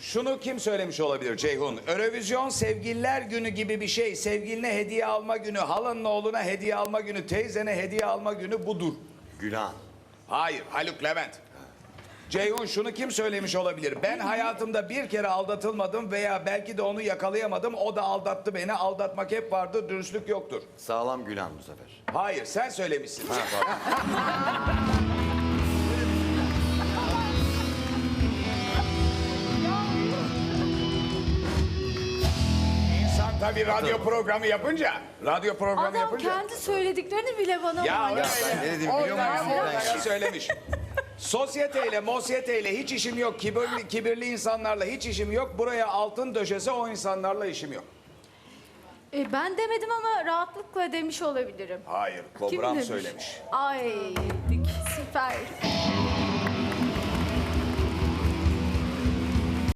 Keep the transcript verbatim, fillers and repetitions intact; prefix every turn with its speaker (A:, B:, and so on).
A: Şunu kim söylemiş olabilir Ceyhun? Eurovision sevgililer günü gibi bir şey. Sevgiline hediye alma günü, halanın oğluna hediye alma günü, teyzene hediye alma günü budur.
B: Gülhan.
A: Hayır, Haluk Levent. Ceyhun şunu kim söylemiş olabilir? Ben hayatımda bir kere aldatılmadım veya belki de onu yakalayamadım. O da aldattı beni. Aldatmak hep vardır, dürüstlük yoktur.
B: Sağlam Gülhan bu sefer.
A: Hayır, sen söylemişsin.
B: Ha, pardon.
A: İnsan tabii radyo programı yapınca, radyo programı
C: Adam
A: yapınca.
C: kendi söylediklerini bile bana
A: Ya
C: mal.
A: öyle.
B: ben ne dediğimi biliyor muyum?
A: Oradan oradan söylemiş. Sosyeteyle, mosyeteyle hiç işim yok. Kibirli, kibirli insanlarla hiç işim yok. Buraya altın döşese o insanlarla işim yok.
C: E, ben demedim ama rahatlıkla demiş olabilirim.
A: Hayır,
C: Kim
A: Kobram
C: demiş?
A: söylemiş.
C: Ay süper.